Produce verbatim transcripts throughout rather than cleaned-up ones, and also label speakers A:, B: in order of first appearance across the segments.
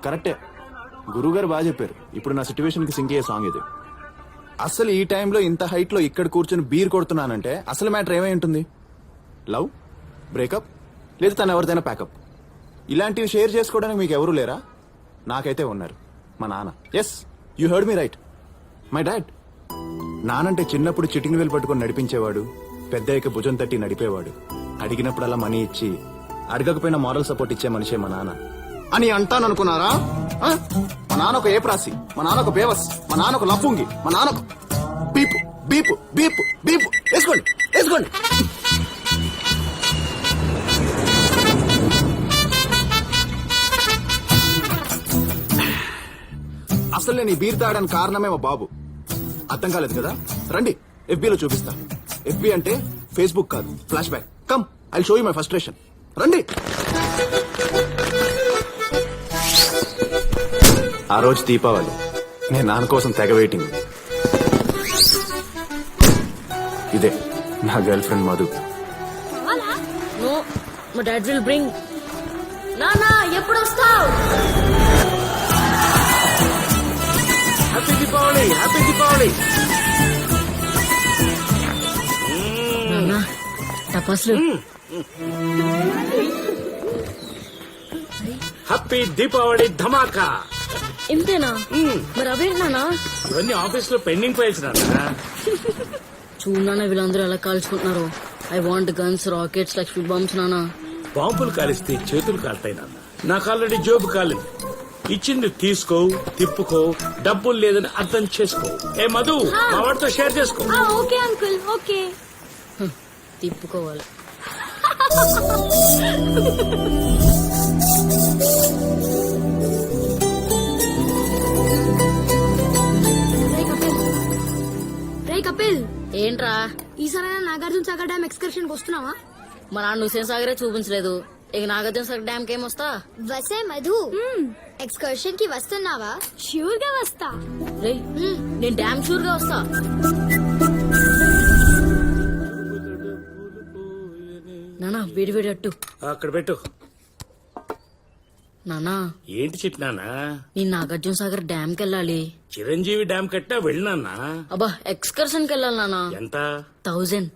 A: కరెక్టే, గురువుగారు బాగా చెప్పారు. ఇప్పుడు నా సిచ్యువేషన్ కి సింక్ అయ్యే సాంగ్ ఇది. అసలు ఈ టైంలో ఇంత హైట్ లో ఇక్కడ కూర్చొని బీర్ కొడుతున్నానంటే అసలు మ్యాటర్ ఏమై ఉంటుంది? లవ్, బ్రేకప్, లేదా తను ఎవరిదైనా ప్యాకప్. ఇలాంటివి షేర్ చేసుకోవడానికి మీకు ఎవరు లేరా? నాకైతే ఉన్నారు, మా నాన్న. Yes, you heard me right, my dad. నానంటే చిన్నప్పుడు చిటింగ్ వేలు పట్టుకొని నడిపించేవాడు, పెద్దయ్యక భుజం తట్టి నడిపేవాడు, అడిగినప్పుడల్లా మనీ ఇచ్చి అడగకపోయినా మారల్ సపోర్ట్ ఇచ్చే మనిషే మా నాన్న అని అంటాను అనుకున్నారా? మా నాన్న ఒక ఏప్రాసి, మా నాన్న ఒక బేవస్, మా నాన్న ఒక లఫుంగి, మా నాన్న ఒక బీపు బీపు బీపు బీపు. వేసుకోండి వేసుకోండి. అసలు నేను ఈ బీర్ తాగడానికి కారణమే మా బాబు. అర్థం కాలేదు కదా? రండి ఎఫ్బీలో చూపిస్తా. ఎఫ్బీ అంటే ఫేస్బుక్ కాదు, flashback. Come, I show you my frustration. రండి. ఆ రోజు దీపావళి, నేను నాన్న కోసం తెగ వెయిటింగ్. ఇదే నా girlfriend Madhu.
B: No, my dad will bring. నానా ఎప్పుడు వస్తావు?
C: Happy Deepavali, happy Deepavali.
B: నానా టపాసులు.
C: హ్యాపీ దీపావళి ధమాకా.
B: ఇంతేనా? మరి అవేంటి నానా?
C: ఇవన్నీ ఆఫీస్ లో పెండింగ్ ఫైల్స్ నాన్న.
B: చూడు నాన్న, వీళ్ళందరూ ఎలా కాల్చుకుంటున్నారు. I want guns, rockets, Lakshmi bombs. నానా
C: బాంబులు కాలిస్తే చేతులు కాలుతాయి నాన్న. నాకు ఆల్రెడీ జోబు కాలింది. ఇచ్చింది తీసుకో, తిప్పుకో, డబ్బులు లేదని అర్థం చేసుకో. ఏ మధు, మా వాడితో షేర్ చేసుకో.
D: Okay uncle, okay.
B: తిప్పుకోవాలి.
D: రే కపిల్,
B: ఏంట్రా?
D: ఈసారి నాగార్జున సాగర్ డ్యామ్ ఎక్స్కర్షన్ వస్తున్నావా?
B: మా నాన్న హుసేన్ సాగరే చూపించలేదు, ఇక నాగార్జున సాగర్ డ్యామ్ కేం వస్తా?
E: వసే మధు, ఎక్స్కర్షన్ కి వస్తున్నావా?
D: ష్యూర్ గా వస్తా.
B: రేయ్, నేను డ్యామ్ షూర్ గా వస్తా. నానా వేడి వేడి అట్టు
C: అక్కడ పెట్టు.
B: నానా
C: ఏంటి చిట్నానా?
B: నేను నాగార్జున సాగర్ డ్యామ్ కెళ్ళాలి.
C: చిరంజీవి డ్యామ్ కట్టా వెళ్ళినానా?
B: అబ్బా, ఎక్స్కర్షన్ కెళ్ళాలి నానా.
C: ఎంత?
B: థౌజండ్.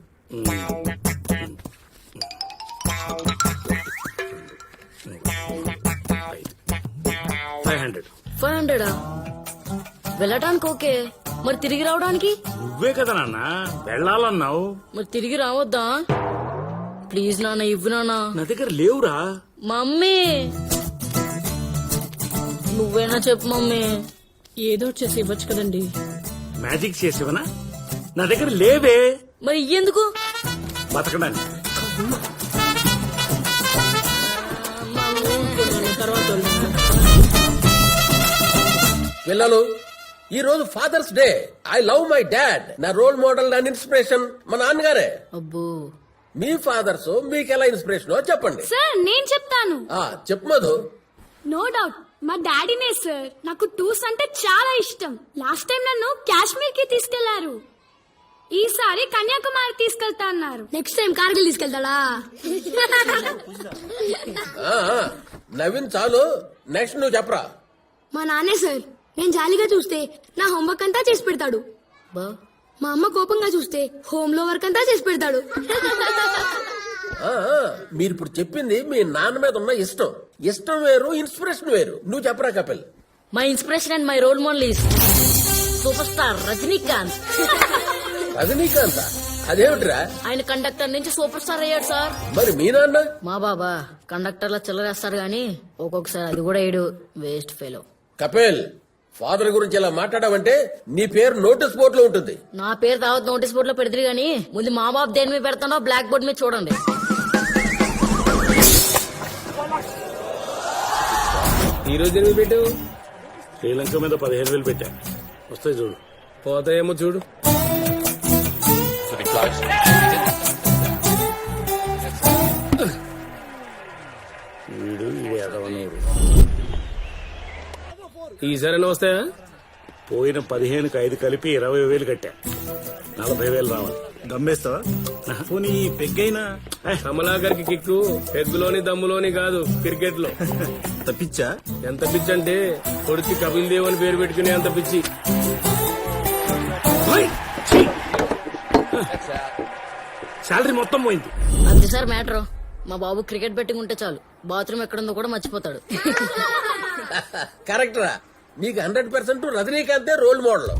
C: Five hundred.
B: ఫైవ్ హండ్రెడా? వెళ్ళటానికి ఓకే, మరి తిరిగి రావడానికి?
C: నువ్వే కదా నాన్న వెళ్ళాలన్నావు.
B: మరి తిరిగి రావద్దా? ప్లీజ్ నాన్న, ఇవ్వు నాన్న.
C: నా దగ్గర లేవురా.
B: మమ్మీ, నువ్వేనా చెప్పు మమ్మీ. ఏదో చేసి ఇవ్వచ్చు కదండి.
C: మ్యాజిక్ చేసేవనా? నా దగ్గర లేవే.
B: మరి ఎందుకు?
C: బతకడానికి.
F: పిల్లలు, ఈ రోజు father's day. I love my dad. నా రోల్ మోడల్ అండ్ ఇన్స్పిరేషన్ మా నాన్నగారే.
B: అబ్బో,
F: మీ ఫాదర్స్ మీకు ఎలా ఇన్స్పిరేషన్ చెప్పండి.
D: సార్ నేను చెప్తాను.
F: ఆ చెప్పు మధు.
D: నో డౌట్ మా డాడీనే సార్. నాకు టూర్స్ అంటే చాలా ఇష్టం. లాస్ట్ టైం నన్ను కాశ్మీర్ కి తీసుకెళ్లారు. ఈసారి కన్యాకుమారి తీసుకెళ్తా అన్నారు. నెక్స్ట్ టైం కార్గిల్ తీసుకెళ్తాడా?
F: ఆ, ఆ, నవీన్ చాలు, నెక్స్ట్ నువ్వు చెప్పరా.
D: మా నాన్నే సార్. నేను జాలీగా చూస్తే నా హోంవర్క్ అంతా చేసి పెడతాడు.
B: బా,
D: మా అమ్మ కోపంగా చూస్తే హోమ్ లో వర్క్ అంతా చేసి పెడతాడు.
F: ఆ, ఆ, మీరు ఇప్పుడు చెప్పింది మీ నాన్న మీద ఉన్న ఇష్టం. ఇష్టం వేరు, ఇన్స్పిరేషన్ వేరు. నువ్వు చెప్పరా Kapil.
B: My inspiration and my role model is superstar Rajinikanth.
F: Rajinikanth? అదేమిట్రా?
B: ఆయన కండక్టర్ నుంచి సూపర్ స్టార్ అయ్యాడు సార్.
F: మరి మీ నాన్న?
B: మా బాబా కండక్టర్ లా చిల్లరేస్తారు గాని ఒక్కొక్కసారి అది కూడా వేయడు. Waste fellow.
F: కపిల్, ఫాదర్ గురించి ఇలా మాట్లాడావంటే నీ పేరు నోటీస్ బోర్డు లో ఉంటుంది.
B: నా పేరు దావత్ నోటీస్ బోర్డు లో పెడతారు గాని ముందు మా బాబు దేని మీద పెడతానో బ్లాక్ బోర్డ్ మీద చూడండి.
F: ఈ రోజు ఎనిమిది పెట్టు.
C: శ్రీలంక మీద పదిహేను వేలు పెట్టా. వస్తాయి చూడు.
F: పోతాయేమో చూడు.
C: వీడు ఎదవనూరు.
F: ఈసారైనా వస్తాయా?
C: పోయిన పదిహేనుకి ఐదు కలిపి ఇరవై వేలు కట్టా. నలభై వేలు రావాలి.
G: దమ్మేస్తావా పోనీ పెగ్గైనా
H: కమలాకర్కి కిక్కు పెగ్గులోని దమ్ములోని కాదు క్రికెట్ లో.
G: తప్పించా
H: ఎంత పిచ్చి అంటే కొడుకు కపిల్ దేవ్ అని పేరు పెట్టుకునే అంత పిచ్చి.
C: శాలరీ మొత్తం పోయింది.
B: అంతే సార్ మ్యాటర్. మా బాబు క్రికెట్ బెట్టింగ్ ఉంటే చాలు బాత్రూమ్ ఎక్కడుందో కూడా మర్చిపోతాడు.
F: కరెక్ట్ రా, నీకు హండ్రెడ్ పర్సెంట్ రజనీకాంతే రోల్ మోడల్.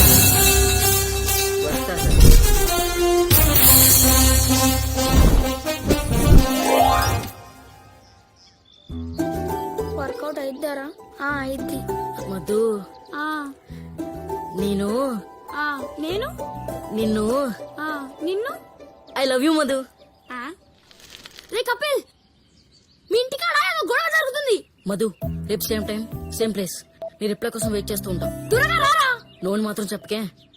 B: వస్తా సార్.
D: వర్కౌట్ అయిద్దారా? అయిద్ది.
B: మధు నేను
D: నేను
B: నిన్ను
D: ఆ, నిన్ను
B: ఐ లవ్ యూ మధు.
D: ఆ? రే కపిల్, మీ ఇంటికాడ ఏదో గొడవ జరుగుతుంది.
B: మధు రేపు సేమ్ టైం సేమ్ ప్లేస్ నీ రిప్లై కోసం వెయిట్ చేస్తూ ఉంటాం.
D: త్వరగా రారా.
B: లోన్ మాత్రం చెప్పకే.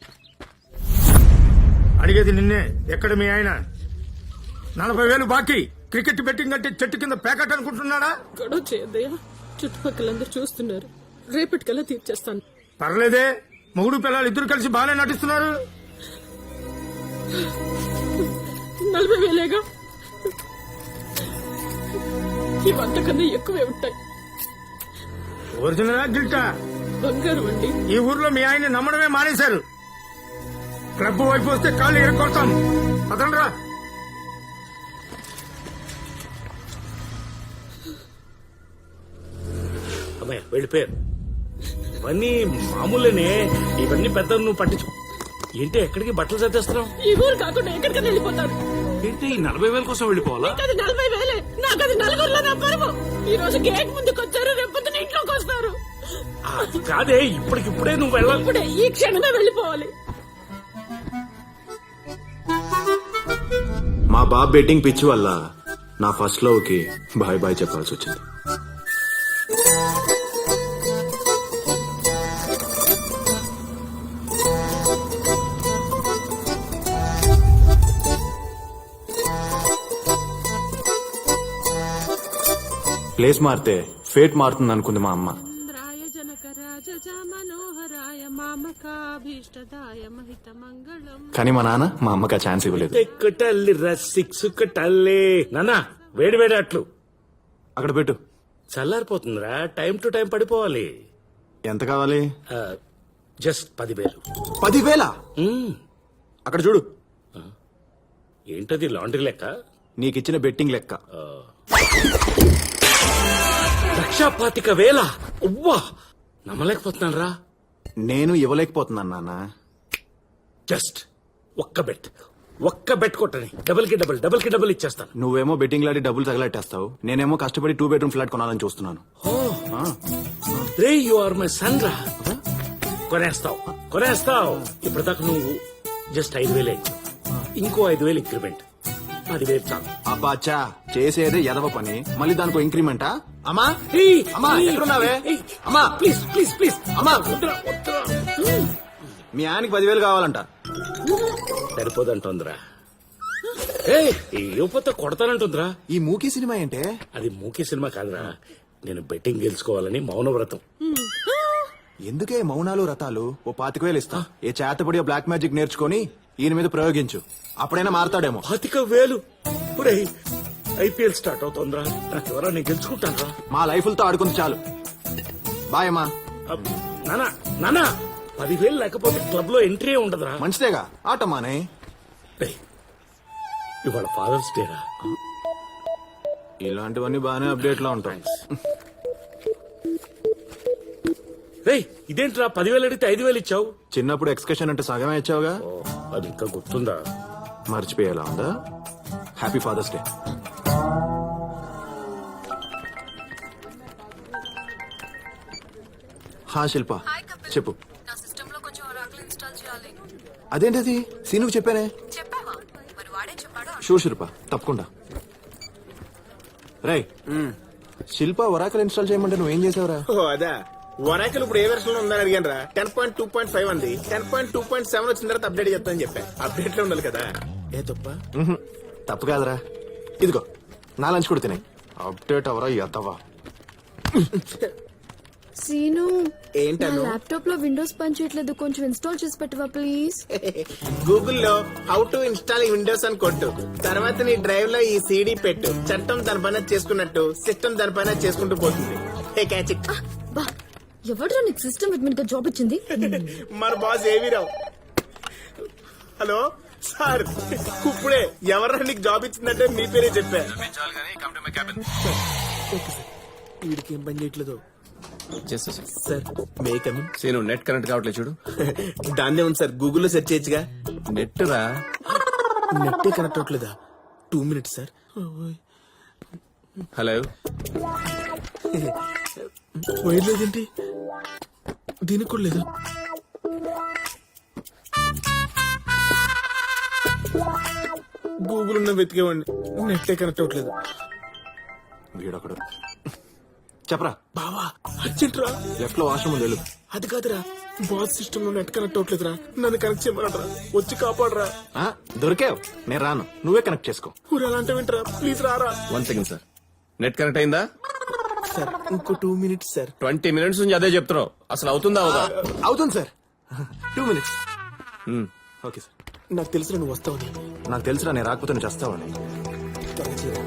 I: అడిగేది నిన్నే. ఎక్కడ మీ ఆయన? నలభై వేలు బాకీ. క్రికెట్ బెట్టింగ్ అంటే చెట్టు కింద ప్యాకెట్ అనుకుంటున్నాడా?
J: గొడవ చేయద్దయ్యా, చుట్టుపక్కలందరూ చూస్తున్నారు. రేపటికల్లా తీర్చేస్తాను.
I: పర్లేదే, మొగుడు పిల్లలు ఇద్దరు కలిసి బాగానే నటిస్తున్నారు.
J: నలభై వేలేగా, ఇవంతకన్నా ఎక్కువే ఉంటాయి.
I: ఒరిజినల్ గిల్టా?
J: బంగారు అండి.
I: ఈ ఊర్లో మీ ఆయన్ని నమ్మడమే మానేశారు. క్లబ్ వైపు వస్తే కాళ్ళు ఎరగొడతాం. అతనరా
C: అమ్మాయి వెళ్ళిపోయారు. ఇవన్నీ మామూలేనే, ఇవన్నీ పెద్ద నువ్వు పట్టించు. ఏంటి ఎక్కడికి బట్టలు సర్దేస్తున్నావు?
J: ఈ ఊరు కాకుండా ఎక్కడికైనా వెళ్ళిపోతాను.
C: ఏంటి ఈ నలభై వేల కోసం వెళ్ళిపోవాలా?
J: అది నలభై వేలే, నాకు అది నలుగురులో నా పరువు. ఈ రోజు గేట్ ముందుకు వచ్చారు, రేపొద్దున ఇంట్లోకి వస్తారు.
C: అది కాదే, ఇప్పటికిప్పుడే నువ్వు వెళ్ళాలి.
J: ఇప్పుడే ఈ క్షణమే వెళ్ళిపోవాలి.
A: మా బాబు బెట్టింగ్ పిచ్చి వల్ల నా ఫస్ట్ లవ్ కి బాయ్ బాయ్ చెప్పాల్సి వచ్చింది. ప్లేస్ మారితే ఫేట్ మారుతుంది అనుకుంది మా అమ్మ. కానీ మా నాన్న మా అమ్మకి ఆ ఛాన్స్ ఇవ్వలేదు.
C: ఎక్కుటల్లి సిక్స్ కట్టల్లి నాన్న, వేడి వేడి అట్లు
A: అక్కడ పెట్టు.
C: చల్లారిపోతుందిరా, టైం టు టైం పడిపోవాలి.
A: ఎంత కావాలి?
C: జస్ట్ పదివేలు.
A: పదివేల?
C: మ్మ్.
A: అక్కడ చూడు.
C: ఏంటది లాండ్రీ లెక్క?
A: నీకిచ్చిన బెట్టింగ్ లెక్క.
C: లక్షా పాతిక వేల? ఉవ్వా, నమ్మలేకపోతున్నాను రా.
A: నేను ఇవ్వలేకపోతున్నాను నాన్న.
C: జస్ట్ ఒక్క బెట్, ఒక్క బెట్ కొట్టని డబుల్ కి డబుల్, డబుల్ కి డబుల్ ఇచ్చేస్తాను.
A: నువ్వేమో బెట్టింగ్ లాడి డబ్బులు తగలెట్టేస్తావు, నేనేమో కష్టపడి టూ బెడ్రూమ్ ఫ్లాట్ కొనాలని చూస్తున్నాను.
C: రే యు ఆర్ మై సన్ రా. కొనేస్తావు కొనేస్తావు. ఇప్పటిదాకా నువ్వు జస్ట్ ఐదు వేలే ఇచ్చావు, ఇంకో ఐదు వేలు ఇంక్రిమెంట్, పదివేలు చాలు.
A: అబ్బాచా, చేసేదే ఎదవ పని, మళ్ళీ దానికో ఇంక్రిమెంటా? అమ్మా
C: ఏయ్,
A: అమ్మా
C: ఏయ్,
A: ఎక్కడున్నావే?
C: ఏయ్,
A: అమ్మా
C: ప్లీజ్ ప్లీజ్ ప్లీజ్
A: అమ్మా,
C: వద్దురా, వద్దురా.
A: మీ ఆయనకి పదివేలు కావాలంట.
C: సరిపోదంటుందిరా. ఏ ఈ యువత కొడతానంటుందిరా.
A: ఈ మూకీ సినిమా ఏంటే?
C: అది మూకీ సినిమా కాదురా, నేను బెట్టింగ్ గెలుచుకోవాలని మౌనవ్రతం.
A: ఎందుకే మౌనాలు రథాలు? ఓ పాతిక వేలు ఇస్తా, ఏ చేతపడి బ్లాక్ మ్యాజిక్ నేర్చుకొని ఈయన మీద ప్రయోగించు, అప్పుడైనా మారతాడేమో.
C: పాతిక వేలు? ఐపీఎల్ స్టార్ట్ అవుతోందిరా, నాకు ఎవరా, నేను గెలుచుకుంటాను రా.
A: మా లైఫ్లతో ఆడుకుంది చాలు. బాయ్ అమ్మా.
C: నానా నానా, పదివేలు లేకపోతే క్లబ్ లో ఎంట్రీ ఉండదురా.
A: మంచిదేగా, ఆటమానే.
C: ఏయ్, ఇవాళ ఫాదర్స్ డే రా.
A: ఇలాంటివన్నీ బాగానే అప్డేట్ లో ఉంటాయి.
C: రేయ్, ఇదేంట్రా పదివేలు అడిగితే ఐదు వేలు ఇచ్చావు?
A: చిన్నప్పుడు ఎక్స్కర్షన్ అంటే సగమే ఇచ్చావుగా.
C: ఓ, అది ఇంకా గుర్తుందా?
A: మర్చిపోయేలా ఉందా? Happy father's day. హా శిల్ప, చెప్పు. అదేంటది? సీనుకు చెప్పానే. షూర్ శిల్ప, తప్పకుండా. రై, శిల్ప ఒరాకల్ ఇన్స్టాల్ చేయమంటే నువ్వేం చేసావురా?
G: ఓ అదా, వరాకల్ ఇప్పుడు ఏ వెర్షన్ ఉందని అడిగాను రా. Ten point two point five అంది. Ten point two point seven వచ్చిన తర్వాత అప్డేట్ చేస్తానని చెప్పా. అప్డేట్ లో ఉండాలి కదా. ఏ తప్ప?
A: తప్పు కాదురా. ఇదిగో నా లంచ్ కూడా తినే. అప్డేట్ అవరా ఎత్తవా.
D: సీను
G: ఏంటను?
D: ల్యాప్టాప్ లో విండోస్ పనిచేయట్లేదు కొంచెం ఇన్స్టాల్ చేసి పెట్టవా ప్లీజ్.
G: గూగుల్లో హౌ టు ఇన్స్టాల్ విండోస్ అని కొట్టు. తర్వాత నీ డ్రైవ్ లో ఈ సీడీ పెట్టు. చట్టం దాని పైన చేసుకున్నట్టు సిస్టమ్ దాని పైన చేసుకుంటూ పోతుంది. Hey catch it.
D: బా ఎవడరా నీకు సిస్టమ్ అడ్మిన్ గా జాబ్ ఇచ్చింది?
G: మన బాస్ ఏవి రావు. హలో సార్, ఇప్పుడే ఎవరా నీకు జాబ్ ఇచ్చిందంటే మీ పేరే చెప్పా. వీడికి ఏం పని చేయట్లేదు సార్. మేకమ్
H: సీను నెట్ కనెక్ట్ కావట్లేదు చూడు.
G: దాన్నే ఉంది సార్, గూగుల్లో సెర్చ్ చేయొచ్చుగా.
H: నెట్ రా.
G: నెట్టే కనెక్ట్ అవ్వట్లేదా? Two minutes sir.
H: Hello,
G: wire లేదేంటి? దీనికి కూడా లేదా? గూగుల్ ఉన్న వెతికేవాడిని, నెట్టే కనెక్ట్ అవ్వట్లేదు.
A: వీడొకడు. చెప్పరా.
G: బావా అర్జెంట్ రా.
A: లెఫ్ట్ లో వాష్రూమ్ ఉంది వెళ్ళు.
G: అది కాదురా, బాస్ సిస్టమ్ లో నెట్ కనెక్ట్ అవ్వట్లేదురా. నన్ను కనెక్ట్ చేయమనరా, వచ్చి కాపాడరా.
A: ఆ, దొరికావు, నేను రాను, నువ్వే కనెక్ట్ చేసుకో.
G: ఊరు అలా అంటే వింటరా, ప్లీజ్ రారా.
H: One second sir. Net connect అయిందా?
G: సార్ ఇంకో two minutes sir.
H: Twenty minutes నుంచి అదే చెప్తున్నావు, అసలు అవుతుందా అవుదా?
A: అవుతుంది sir, two minutes. Okay sir.
G: నాకు తెలుసు నువ్వు వస్తావని.
A: నాకు తెలుసురా, నేను రాకపోతే నువ్వు చేస్తావని.
G: త్వరగా చేయరా.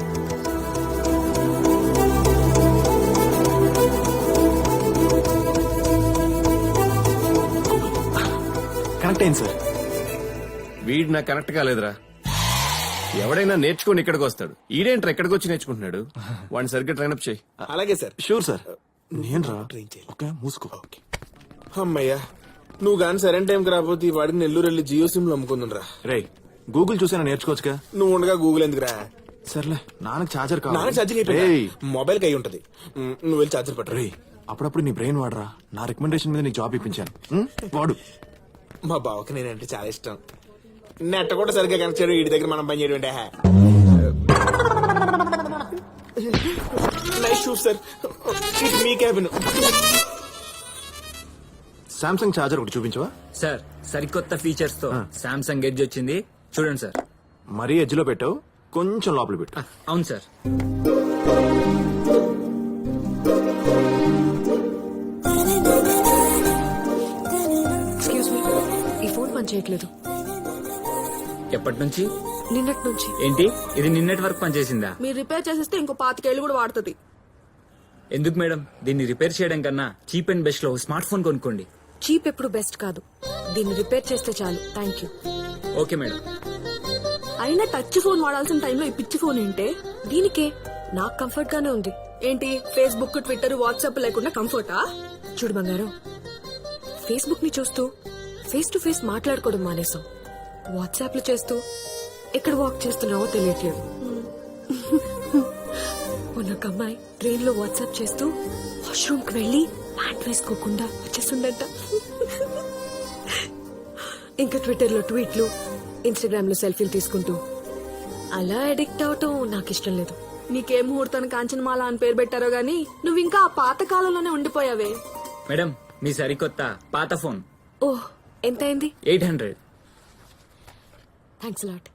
A: కనెక్ట్ అయింది సార్.
H: వీడు నాకు కనెక్ట్ కాలేదురా. ఎవడైనా నేర్చుకుని ఇక్కడికి వస్తాడు, ఈడేంట్రా ఇక్కడికి వచ్చి నేర్చుకుంటున్నాడు. వాడిని సరిగ్గా ట్రైన్అప్ చేయి.
G: అలాగే సార్.
A: Sure sir. నేను రా.
G: ట్రైన్ చేయాలి.
A: ఓకే, మూసుకో.
G: ఓకే అమ్మయ్యా, నువ్వు గాని సరైన టైంకి రాకపోతే ఈ వాడిని నెల్లూరు వెళ్ళి జియో సిమ్ లో అమ్ముకుందా.
A: రే, గూగుల్ చూసైనా నేర్చుకోవచ్చుగా.
G: నువ్వు ఉండగా గూగుల్ ఎందుకురా?
A: సర్లే, నాన్నకి ఛార్జర్
G: నాన్న
A: కావాలి.
G: ఛార్జింగ్
A: రేయ్,
G: అయిపోయింది, మొబైల్ కి అయి ఉంటది. ఉమ్, నువ్వు వెళ్ళి ఛార్జర్ పట్టరా.
A: రేయ్, అప్పుడప్పుడు నీ బ్రెయిన్ వాడరా. నా రికమెండేషన్ మీద నీకు జాబ్ ఇప్పించాను. ఉం? వాడు.
G: మా బావకి నేనంటే చాలా ఇష్టం. నెట్ కూడా సరిగ్గా కనెక్ట్ చేయడం, వీడి దగ్గర మనం పని చేయడం అంటే. నైస్ షూస్ సార్, ఇది మీ క్యాబిన్.
A: సామ్సంగ్ ఛార్జర్ ఒకటి చూపించవా?
K: సార్ సరికొత్త ఫీచర్స్ తో సామ్సంగ్ ఎడ్జ్ వచ్చింది, చూడండి సార్.
A: మరీ ఎడ్జ్ లో పెట్టావు, కొంచెం లోపల పెట్టు.
K: అవును సార్.
J: ఎక్స్క్యూజ్ మీ, ఈ ఫోన్ పని చేయట్లేదు.
K: ఎప్పటి నుంచి?
J: నిన్నటి నుంచి.
K: ఏంటి, ఇది నిన్నటి వరకు పనిచేసిందా?
J: మీరు రిపేర్ చేసేస్తే ఇంకో పాతికేళ్లు కూడా వాడుతుంది.
K: ఎందుకు మేడం, దీన్ని రిపేర్ చేయడం కన్నా చీప్ అండ్ బెస్ట్ లో స్మార్ట్ ఫోన్ కొనుక్కోండి.
J: చీప్ ఎప్పుడు బెస్ట్ కాదు, దీన్ని రిపేర్ చేస్తే చాలు. Thank you.
K: Okay madam.
J: అయినా టచ్ ఫోన్ వాడాల్సిన టైంలో ఈ పిచ్చి ఫోన్ ఏంటే? దీనికే నాకు కంఫర్ట్ గానే ఉంది. ఏంటి, ఫేస్బుక్, ట్విట్టర్, వాట్సాప్ లేకుండా కంఫర్టా? చూడు బంగారం, ఫేస్బుక్ ని చూస్తూ ఫేస్ టు ఫేస్ మాట్లాడుకోవడం మానేసాం. వాట్సాప్ లో చేస్తూ ఎక్కడ వాక్ చేస్తున్నావో తెలియట్లేదు. ఒక అమ్మాయి ట్రైన్ లో వాట్సాప్ చేస్తూ వాష్రూమ్ కి వెళ్లి ప్యాంట్ వేసుకోకుండా వచ్చేస్తుందంట. ఇంకా ట్విట్టర్ లో ట్వీట్లు, ఇన్స్టాగ్రామ్ లో సెల్ఫీలు తీసుకుంటూ అలా అడిక్ట్ అవటం నాకు ఇష్టం లేదు. నీకే ముహూర్తాన్ని కాంచనమాల అని పేరు పెట్టారో గానీ నువ్వు ఇంకా ఆ పాత కాలంలోనే ఉండిపోయావే.
K: మేడం, మీ సరికొత్త పాత ఫోన్
J: ఓహ్, ఎంత అయింది?
K: Eight hundred.
J: Thanks lot.